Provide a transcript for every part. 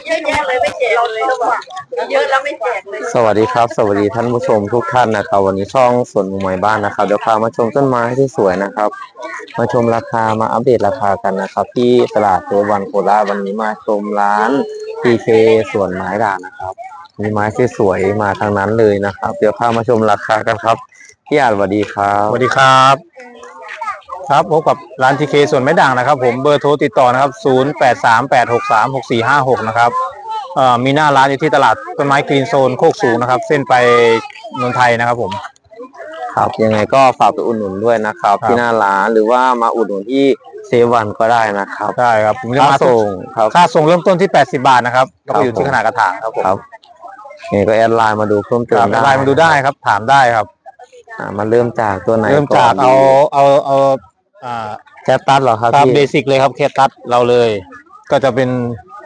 เยอะแยะเลยไม่แจกเลยเยอะแล้วไม่แจกเลยสวัสดีครับสวัสดีท่านผู้ชมทุกท่านนะครับวันนี้ช่องสวนหมู่ไม้บ้านนะครับเดี๋ยวพามาชมต้นไม้ที่สวยนะครับมาชมราคามาอัปเดตราคากันนะครับที่ตลาดเทวันโคราชวันนี้มาชมร้าน PK สวนไม้ด่างนะครับมีไม้ที่สวยมาทางนั้นเลยนะครับเดี๋ยวพามาชมราคากันครับพี่อาจสวัสดีครับสวัสดีครับครับพบกับร้านทีเคส่วนไม้ด่างนะครับผมเบอร์โทรติดต่อนะครับ0838636456นะครับมีหน้าร้านอยู่ที่ตลาดต้นไม้กรีนโซนโคกสูงนะครับเส้นไปนนทไทยนะครับผมครับยังไงก็ฝากไปอุดหนุนด้วยนะครับที่หน้าร้านหรือว่ามาอุดหนุนที่เซวันก็ได้นะครับได้ครับผมจะค่ามาส่งครับค่าส่งเริ่มต้นที่80 บาทนะครับก็ไปอยู่ที่ขนาดกระถางครับผมครับยังไงก็แอดไลน์มาดูเพิ่มเติมได้ไลน์มาดูได้ครับถามได้ครับมาเริ่มจากตัวไหนเริ่มจากเอาแคตตัสเหรอครับตามพี่เบสิกเลยครับแคตตัสเราเลยก็จะเป็น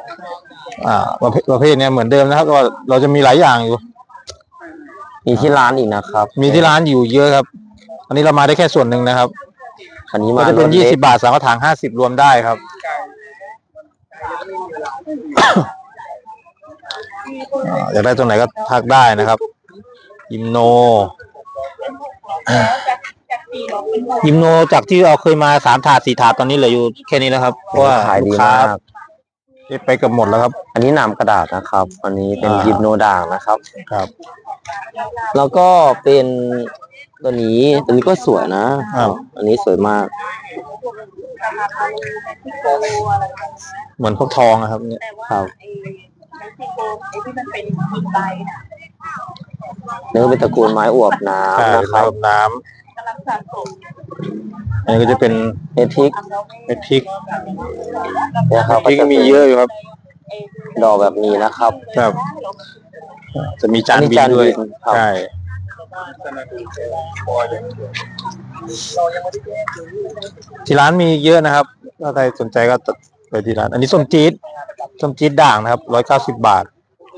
ประเภทเนี้ยเหมือนเดิมนะครับว่าเราจะมีหลายอย่างอยู่มีที่ร้านอีกนะครับมีที่ร้านอยู่เยอะครับอันนี้เรามาได้แค่ส่วนหนึ่งนะครับอันนี้ก็จะเป็น20 บาท3กระถาง50รวมได้ครับอยากได้ตัวไหนก็ทักได้นะครับยิมโนจากที่เราเคยมา3 ถาด4 ถาดตอนนี้เหลืออยู่แค่นี้แล้วครับเพราะว่าขายดีมากไปเกือบหมดแล้วครับอันนี้หนามกระดาษนะครับอันนี้เป็นยิมโนด่างนะครับครับแล้วก็เป็นตัวนี้ก็สวยนะอันนี้สวยมากเหมือนพวกทองนะครับเนี่ยครับเนื้อเป็นตระกูลไม้อวบน้ำนะครับน้ำอันนี้ก็จะเป็นเม็ดพริกนะครับพริกมีเยอะอยู่ครับดอกแบบนี้นะครับครับจะมีจานบินด้วยใช่ที่ร้านมีเยอะนะครับถ้าใครสนใจก็ไปที่ร้านอันนี้ส้มจี๊ดด่างนะครับ190 บาท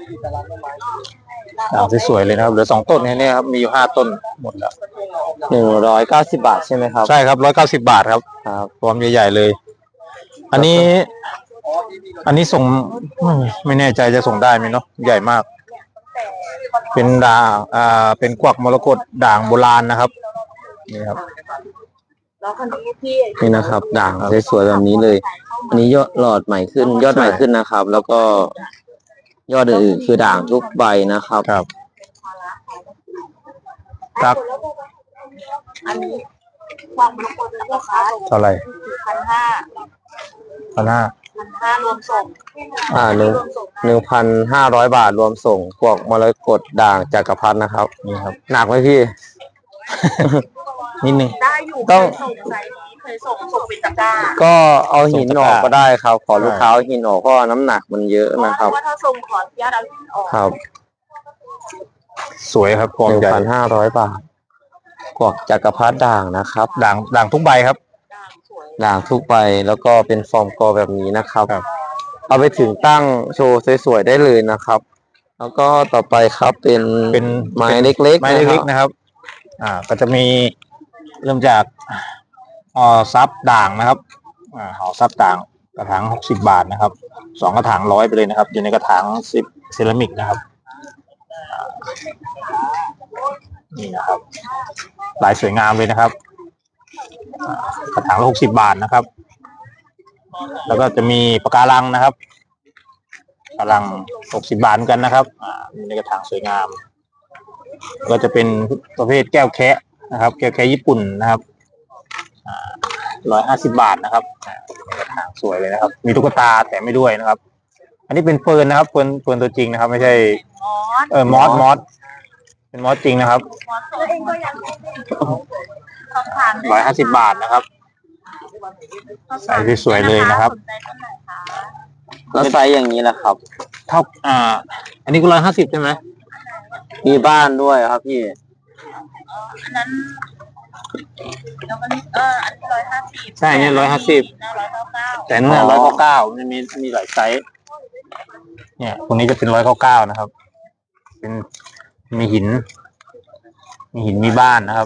ด่างสวยๆเลยนะครับเหลือ2 ต้นแค่นี้ครับมีอยู่5 ต้นหมดแล้ว 190 บาทใช่ไหมครับใช่ครับ190 บาทครับรวมใหญ่ๆเลยอันนี้ส่งไม่แน่ใจจะส่งได้ไหมเนาะใหญ่มากเป็นด่างเป็นกวักมรกตด่างโบราณนะครับนี่ครับนี่นะครับด่างสวยๆแบบนี้เลยอันนี้ยอดหลอดใหม่ขึ้นยอดใหม่ขึ้นนะครับแล้วก็ยอดอื่นๆคือด่างทุกใบนะครับครับอันนี้ความมรกตราคาเท่าไหร่ 1,500รวมส่ง 1,500 บาทรวมส่งพวกมรกตด่างจักรพรรดินะครับนี่ครับหนักไหมพี่นิดนึงได้อยู่ต้องเคยส่งเป็นตะกร้าก็เอาหินออกก็ได้ครับขอลูกค้าหินออกเพราะน้ำหนักมันเยอะนะครับเพราะว่าถ้าส่งขออนุญาตเอาหินออกครับสวยครับกวางใหญ่ 1,500 บาทกวักจักรพรรดิด่างนะครับด่างทุกใบครับด่างทุกใบแล้วก็เป็นฟอร์มกอแบบนี้นะครับเอาไปถึงตั้งโชว์สวยๆได้เลยนะครับแล้วก็ต่อไปครับเป็นไม้เล็กๆนะครับก็จะมีเริ่มจากซับด่างนะครับห่อซับด่างกระถาง60 บาทนะครับ2 กระถาง100ไปเลยนะครับอยู่ในกระถาง10 เซรามิกนะครับนี่นะครับลายสวยงามเลยนะครับกระถางละ60 บาทนะครับแล้วก็จะมีปะการังนะครับปะการัง60 บาทกันนะครับในกระถางสวยงามก็จะเป็นประเภทแก้วแคะนะครับแก้วแคะญี่ปุ่นนะครับ150 บาทนะครับกระถางสวยเลยนะครับมีตุ๊กตาแต่ไม่ด้วยนะครับอันนี้เป็นเฟิร์นนะครับเฟิร์นตัวจริงนะครับไม่ใช่มอสเป็นมอสจริงนะครับ150 บาทนะครับใส่สวยๆเลยนะครับแล้วไซส์อย่างนี้แหละครับเท่าอันนี้ก็150ใช่ไหมมีบ้านด้วยครับพี่อันนั้นแล้วก็อันนี้150 ใช่เนี่ย150แต่เนี่ย199มันมีหลายไซส์เนี่ยตรงนี้จะเป็น199นะครับเป็นมีหินมีบ้านนะครับ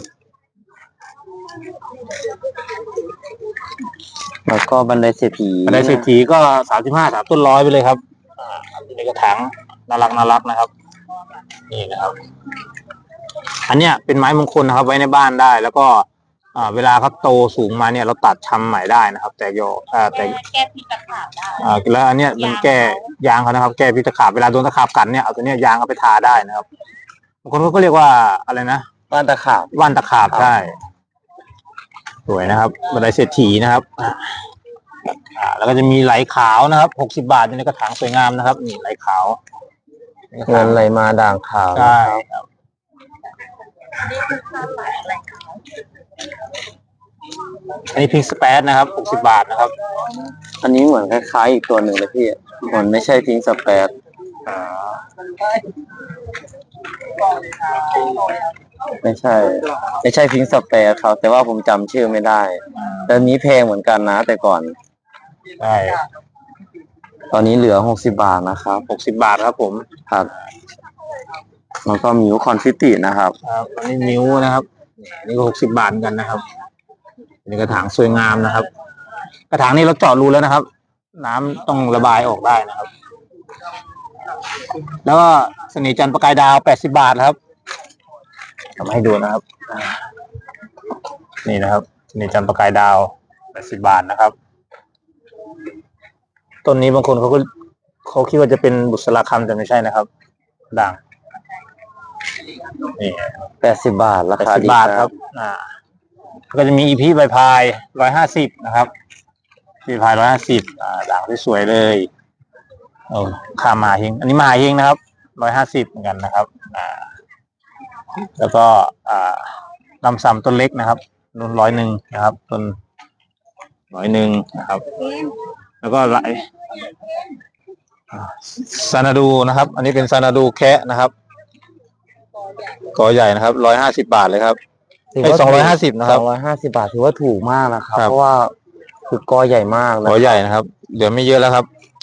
แล้วก็บันไดเศรษฐีก็35 3 ต้น100ไปเลยครับในกระถางน่ารักนะครับนี่นะครับ อันเนี้ยเป็นไม้มงคลนะครับ ไว้ในบ้านได้ แล้วก็เวลาเขาโตสูงมาเนี่ยเราตัดชำใหม่ได้นะครับ แต่แต่แก้พิษตะขาบได้แล้วอันเนี้ยมันแก้ยางเขานะครับ แก้พิษตะขาบเวลาโดนตะขาบกัดเนี่ยเอาตัวเนี้ยยางเอาไปทาได้นะครับบางคนก็เรียกว่าอะไรนะว่านตะขาบใช่สวยนะครับบันไดเศรษฐีนะครับแล้วก็จะมีไหลขาวนะครับ60 บาทอยู่ในกระถางสวยงามนะครับนี่ไหลขาวเงินไหลมาด่างขาวใช่ครับนี่คือข้าวไหลอะไรขาวอันนี้พิงสเปซนะครับ60 บาทนะครับอันนี้เหมือนคล้ายๆอีกตัวหนึ่งเลยพี่เหมือนไม่ใช่พิงสเปซไม่ใช่พิงสเปซครับแต่ว่าผมจำชื่อไม่ได้แต่นี้แพงเหมือนกันนะแต่ก่อนใช่ตอนนี้เหลือ60 บาทนะครับ 60 บาทครับผมครับแล้วก็มิวคอนฟิตินะครับอันนี้มิวนะครับนี่ก็60 บาทกันนะครับนี่กระถางสวยงามนะครับกระถางนี้เราเจาะรูแล้วนะครับน้ำต้องระบายออกได้นะครับแล้วก็เสน่ห์จันทร์ประกายดาว80 บาทครับทำให้ดูนะครับนี่นะครับเสน่ห์จันทร์ประกายดาว80 บาทนะครับต้นนี้บางคนเขาคิดว่าจะเป็นบุษราคำแต่ไม่ใช่นะครับด่างนี่ 80 บาทราคาดีครับก็จะมีอีพีใบพาย150นะครับใบพาย150ด่างที่สวยเลยค่ามาเฮงอันนี้มาเฮงนะครับ150เหมือนกันนะครับแล้วก็ลำซำต้นเล็กนะครับต้น101นะครับต้น101นะครับแล้วก็ไหลซานาดูนะครับอันนี้เป็นซานาดูแคะนะครับกอใหญ่นะครับ150 บาทเลยครับ250นะครับ 250 บาทถือว่าถูกมากนะครับเพราะว่าคือกอใหญ่มากกอใหญ่นะครับเดี๋ยวไม่เยอะแล้วครับ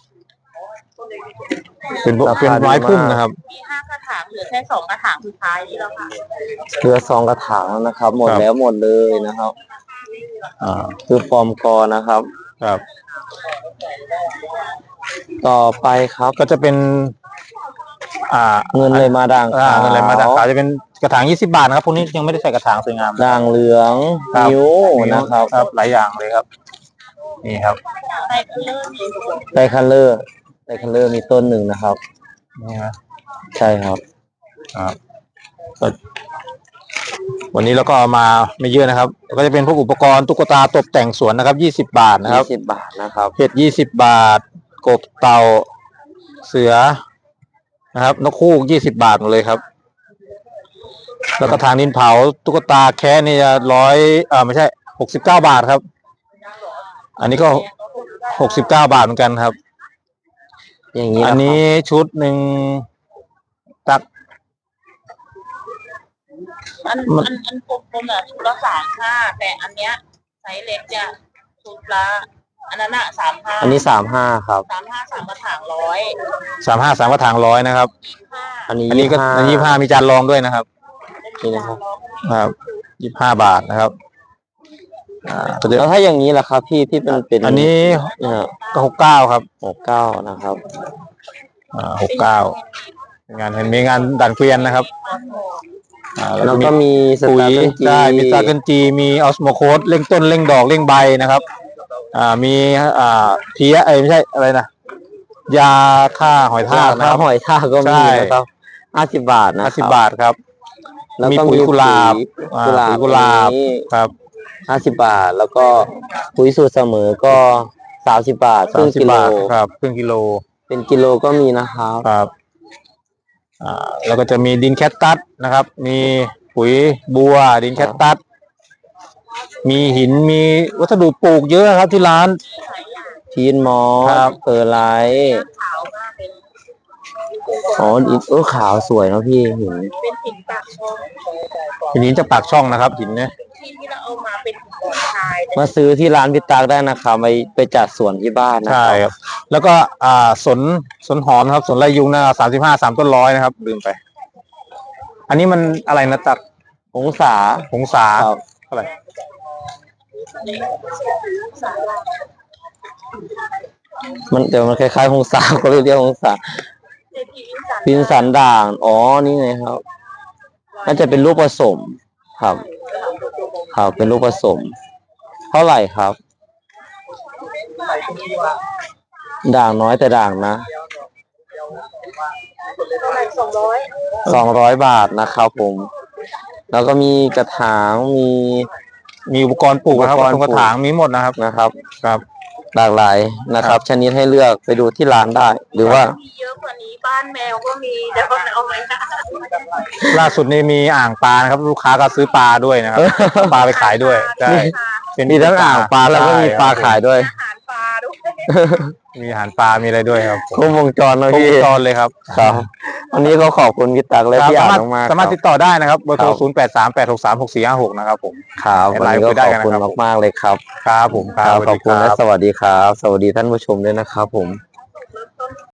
เป็นไม้พุ่มนะครับมี5 กระถางเหลือแค่2 กระถางสุดท้ายนี่แล้วค่ะเหลือ2 กระถางนะครับหมดแล้วหมดเลยนะครับคือฟอร์มกอนะครับครับต่อไปครับก็จะเป็นเงินเลยมาด่างขาวเงินเลยมาด่างขาวจะเป็นกระถาง20 บาทนะครับพวกนี้ยังไม่ได้ใส่กระถางสวยงามด่างเหลืองนิ้วนะครับหลายอย่างเลยครับนี่ครับไดคัลเลอร์มีต้นหนึ่งนะครับนี่นะใช่ครับวันนี้เราก็มาไม่เยอะนะครับก็จะเป็นพวกอุปกรณ์ตุ๊กตาตกแต่งสวนนะครับ20 บาทนะครับ 20 บาทนะครับเห็ด20 บาทกบเต่าเสือนะครับนกฮูก20 บาทหมดเลยครับแล้วก็ทางดินเผาตุ๊กตาแค่นี่จะไม่ใช่69 บาทครับอันนี้ก็69 บาทเหมือนกันครับอย่างนี้อันนี้ชุดหนึ่งตักอันกลมๆชุดละ35แต่อันเนี้ยไซส์เล็กจะชุดละอันนั้น35 อันนี้35ครับ 3 กระถาง100 35 3 กระถาง100นะครับอันนี้ก็25มีจานรองด้วยนะครับนี่นะครับ 25 บาทนะครับแล้วถ้าอย่างนี้ล่ะครับพี่ที่เป็นอันนี้ก็69ครับ 69นะครับ 69มีงานดันเกวียนนะครับแล้วก็มีปุ๋ยได้มีสตาร์เกินจีมีออสโมโคสเร่งต้นเร่งดอกเร่งใบนะครับมีเพี้ยไม่ใช่อะไรนะยาฆ่าหอยทากนะครับหอยทากก็มีนะครับ50 บาทนะ 50 บาทครับแล้วก็มีกุหลาบครับ 50 บาทแล้วก็ปุ๋ยสูตรเสมอก็30 บาทครึ่งกิโลครับครึ่งกิโลเป็นกิโลก็มีนะครับครับแล้วก็จะมีดินแคตตัสนะครับมีปุ๋ยบัวดินแคตตัสมีหินมีวัสดุปลูกเยอะครับที่ร้านทีนมอสเปอร์ไลท์ขาวสวยเนาะพี่หินเป็นหินปากช่องหินจากปากช่องนะครับหินเนี่ยที่เราเอามาเป็นหินทรายมาซื้อที่ร้านพิตากได้นะครับไปจัดสวนที่บ้านนะใช่ครับแล้วก็สนหอมครับสนไรยุงนะ35 3 ต้น100นะครับลืมไปอันนี้มันอะไรนะตักหงสาเท่าไหร่แต่มันคล้ายๆหงสาก็เลยเรียกหงสาเจพีวินสันพินสันด่าง อ๋อ นี่ไงครับ น่าจะเป็นลูกผสม ครับ ครับ เป็นลูกผสม เท่าไหร่ครับ ด่างน้อยแต่ด่างนะประมาณ 200 บาทนะครับผม แล้วก็มีกระถางมีอุปกรณ์ปลูกนะครับอุปกรณ์ปลูกกระถางมีหมดนะครับนะครับครับหลากหลายนะครับ ชนิดให้เลือกไปดูที่ร้านได้ หรือว่ามีเยอะกว่านี้บ้านแมวก็มีเดี๋ยวเอาไว้นะล่าสุดนี้มีอ่างปลานะครับ ลูกค้าก็ซื้อปลาด้วยนะครับ ปลาไปขายด้วยใช่เป็นมีทั้งอ่างปลาแล้วก็มีปลาขายด้วยอาหารปลาด้วยมีอาหารปลา มีอะไรด้วยครับครบวงจรเลยครบพี่วงจรเลยครับครับ วันนี้ก็ขอบคุณพี่ตักและครับพี่อ่าสาน มารถมากๆสามารถคติรับดต่อได้นะครับเบอร์โทรครับ 0838636456นะครับผมครับวันนี้ก็คุยได้ขอบกันคุณนะครับมากๆเลยครับครับผมครับสวัสขอบดีคุณคและรับสวัสดีครับ สวัสดีท่านผู้ชมด้วยนะครับผม